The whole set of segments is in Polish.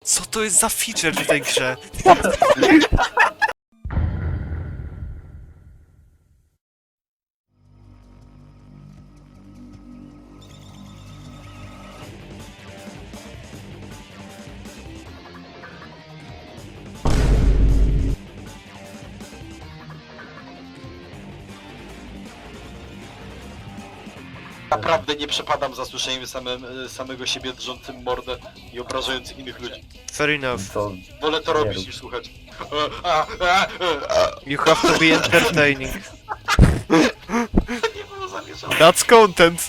Co to jest za feature w tej grze? Naprawdę nie przepadam za słyszeniem samego siebie drżącym mordę i obrażającym innych ludzi. Fair enough. To Wolę to Nie robić rób. niż słuchać. You have to be entertaining. Nie było zamierzone. That's content.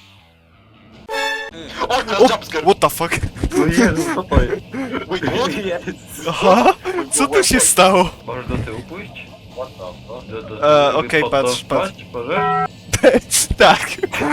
O, teraz O, jumpscare! what the fuck? No Jezu, co to jest? Wait, what? Jezu. Aha, co tu się stało? Możesz do tyłu pójść? What Okej, patrz, patrz. Możesz? Tak.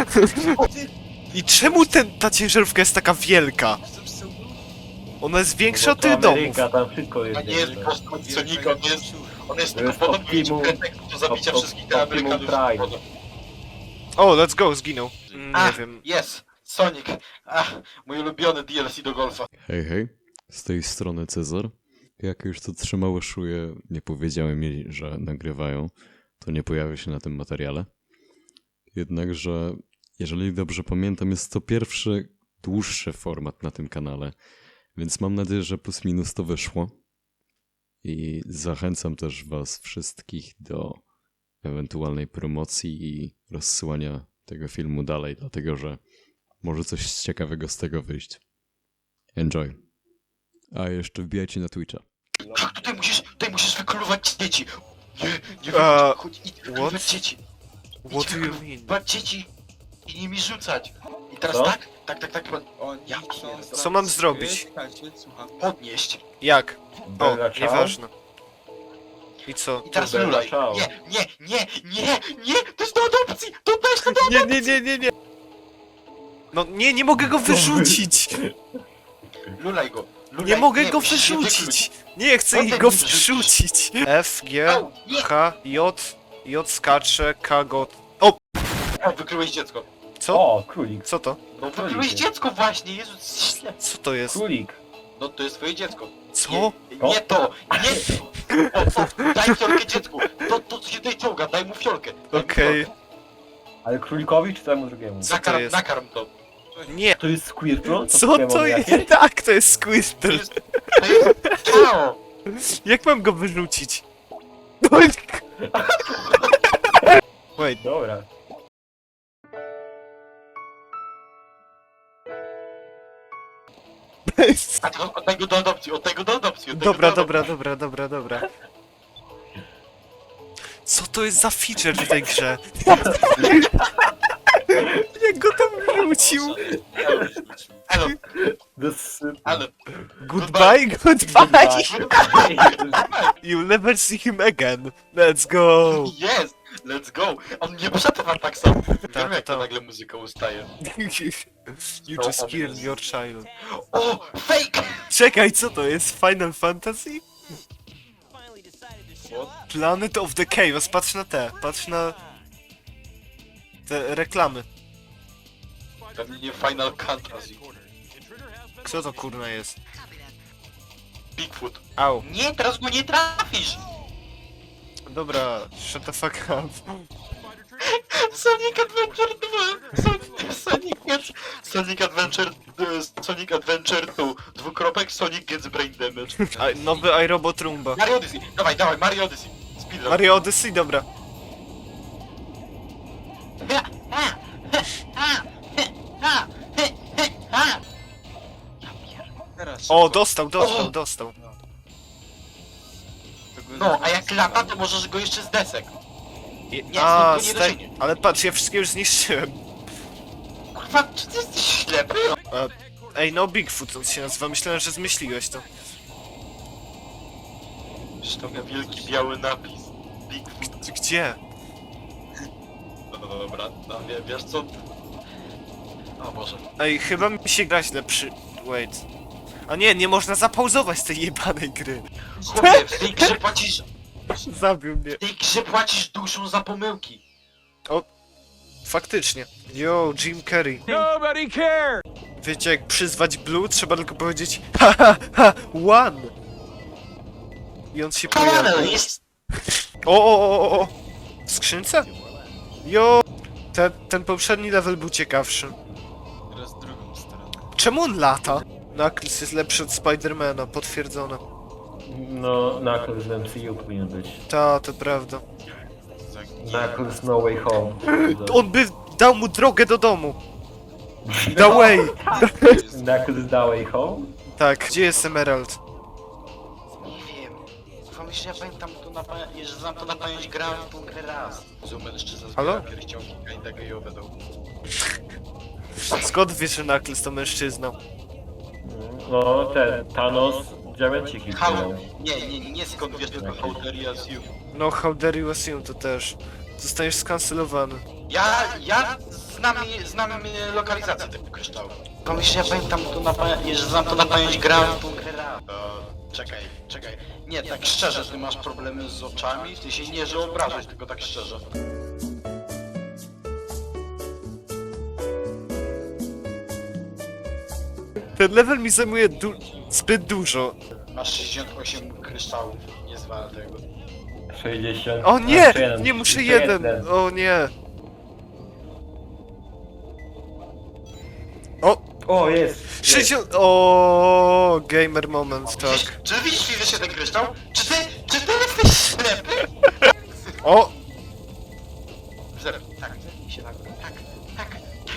I czemu ta ciężarówka jest taka wielka? Ona jest większa od tych domów. Tam wszystko jest. A nie jest postać Sonika, on jest To tylko jest podobny Optimum- pretekst do zabicia Op- wszystkich tych Optimum Amerykanów. Prime. O, let's go, zginął. Nie wiem. Jest! Sonic! Mój ulubiony DLC do golfa. Hej, hej, z tej strony Cezar. Jak już to trzymało szuje, nie powiedziały mi, że nagrywają, to nie pojawię się na tym materiale. Jednakże, jeżeli dobrze pamiętam, jest to pierwszy dłuższy format na tym kanale, więc mam nadzieję, że plus minus to wyszło. I zachęcam też was wszystkich do ewentualnej promocji i rozsyłania tego filmu dalej, dlatego że może coś ciekawego z tego wyjść. Enjoy. A jeszcze wbijajcie na Twitcha. Tak, tutaj musisz wykluwać dzieci! Nie chodź, idź wykluwać what? dzieci! What do you mean? Wykluwać dzieci! I nimi rzucać! I teraz Co? tak, Ja Co mam zrobić? podnieść. Jak? O, Bella Ciao? nieważne. I co? I teraz Bella lulaj. Ciao. Nie! To jest do adopcji! To też to do Nie. No nie mogę go wyrzucić! Lulaj go! Lulaj. Nie mogę go musisz się wyrzucić! Nie chcę Potem go mi wrzucisz. wrzucić! F, G, Au, nie. H, J skacze, K, G. Wyklułeś dziecko. Co? O, królik. Co to? No wyklułeś dziecko właśnie, Jezus, źle. Co to jest? Królik. No to jest twoje dziecko. Co? Nie to! Nie to! Daj fiolkę dziecku! To co się tutaj czołga, daj mu fiolkę. Daj mu Okej. fiolkę. Ale królikowi czy temu drugiemu? Co to jest? Nakarm to. Nie! To jest Squirtle? Co Pokémon to jakieś? jest? Tak, to jest To Squirtle! jest... To jest... Ciao! Jak mam go wyrzucić? Wait, Dobra. A to oddaj go do adopcji, oddaj go do adopcji. dobra. Co to jest za feature w tej grze? Jak go tam wrzucił? Elo, Ale... Goodbye. You'll never see him again. Let's go. Yes! Let's go! On nie przetrwa tak samo. Wiem jak to tak. nagle muzyka ustaje. You just killed your child. O! Fake! Czekaj, co to jest? Final Fantasy? Planet of the Chaos, patrz na patrz na... te reklamy. Pewnie nie Final Fantasy. Co to kurna jest? Bigfoot. Au. Nie, teraz go nie trafisz! Dobra, shut the fuck up. Sonic Adventure 2! Sonic Adventure 2. Dwukropek Sonic gets brain damage. Nowy iRobot Roomba. Mario Odyssey! Dawaj, Mario Odyssey! Speedrun. Mario Odyssey, dobra. O, dostał. No, a jak lata, to możesz go jeszcze z desek. Nie, A, stąd go nie dosięgnie. ale patrz, ja wszystkie już zniszczyłem. Kurwa, czy ty jesteś ślepy? Ej, no Bigfoot on się nazywa, myślałem, że zmyśliłeś to. Zresztą miał wielki biały napis. Bigfoot. Gdzie? No dobra, no wiesz co? O Boże. Ej, chyba mi się gra źle Wait. A nie można zapauzować tej jebanej gry. Chłopie, w tej grze płacisz... Zabił mnie. W tej grze płacisz duszą za pomyłki. Faktycznie. Yo, Jim Carrey. Nobody cares! Wiecie, jak przyzwać Blue, trzeba tylko powiedzieć ha ha ha, one! I on się pojawia. Jest! O! W skrzynce? Jo! Ten poprzedni level był ciekawszy. Teraz drugą stronę. Czemu on lata? Knuckles jest lepszy od Spidermana, potwierdzone. No, Knuckles z MCU powinien być. To prawda. Knuckles No Way Home. On by dał mu drogę do domu. The way! Knuckles The Way Home? Tak, gdzie jest Emerald? Nie wiem. Myślę, że ja pamiętam to że znam to na pamięć, grałem w tą grę raz. Mężczyzna Halo? zbiera pierścionki kinda gejowe do... Skąd wiesz, że Knuckles to mężczyzna? No, ten Thanos, diamenciki. Nie skąd wiesz, tylko how dare you assume. No, how dare you assume to też. Zostaniesz skancelowany. Ja znam lokalizację tego kryształu. Myślę, że ja pamiętam to że znam to na pamięć, grałem w tą grę raz. Czekaj. Nie, tak szczerze, ty masz problemy z oczami? Ty się nie, że obrażasz, tylko tak szczerze. Ten level mi zajmuje zbyt dużo. Masz 68 kryształów, nie zwal tego. 60. O nie! Jeszcze jeden, Nie muszę jeszcze jeden! O nie! O, jest! 60... O, gamer moment, tak. Czy widzisz się ten kryształ? Czy ty jesteś ślepy? O! Zero. Tak, zerwij się na górę. Tak.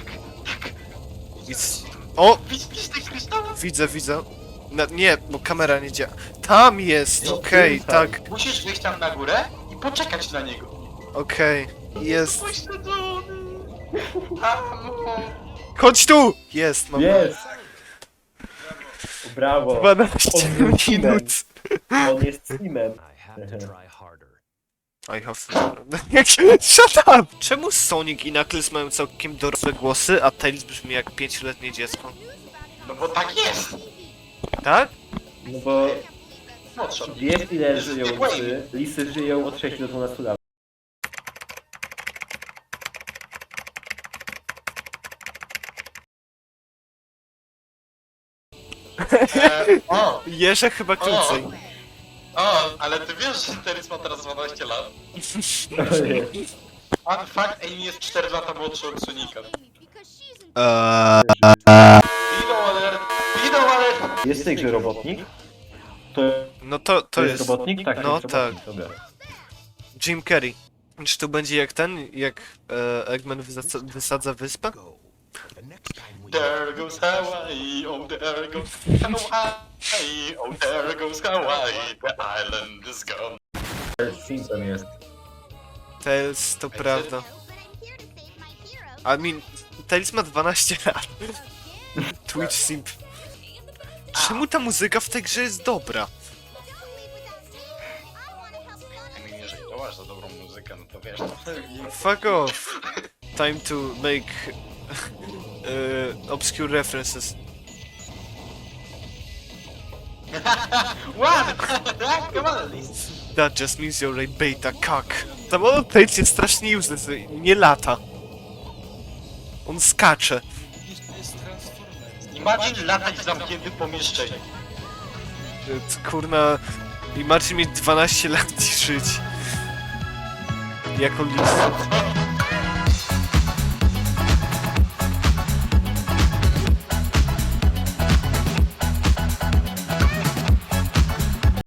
O! Widzisz ten kryształ? Widzę. Nie, bo kamera nie działa. Tam jest! Okej, tak. Musisz wyjść tam na górę i poczekać na niego. Okej. Jest. Pośledzony. Amo. Chodź tu! Jest, mam. Jest! Brawo! 12 On jest minut. On jest Steamem. I have Shut up! Czemu Sonic i Knuckles mają całkiem dorosłe głosy, a Tails brzmi jak 5-letnie dziecko? No bo tak jest. Tak? No bo Młodsza. wiesz ile żyją lisy? Lisy żyją od 6 do 12 lat. O, Jeże chyba krócej. ale ty wiesz, że Teris ma teraz 12 lat? Nie. Fun fact, Amy jest 4 lata młodszy od Sonika. Video alert! Jest w tej grze robotnik? To, No to jest robotnik? Tak, no jest robotnik. Dobra. Jim Carrey. Czy to będzie jak jak Eggman wysadza wyspę? There goes Hawaii, oh there goes Hawaii, oh there goes Hawaii, the island is gone. Simpson jest. Tails to prawda. I mean, Tails ma 12 lat. Twitch simp. Czemu ta muzyka w tej grze jest dobra? I mean, jeżeli to masz za dobrą muzykę, no to wiesz, to Fuck off. Time to make obscure references. One! Come on, Liz. That just means you're a beta cock. Samolot Tails jest strasznie useless, nie lata. On skacze. Imagine latać w zamkniętym pomieszczeniu. Kurna, imagine mieć 12 lat i żyć. Jako list.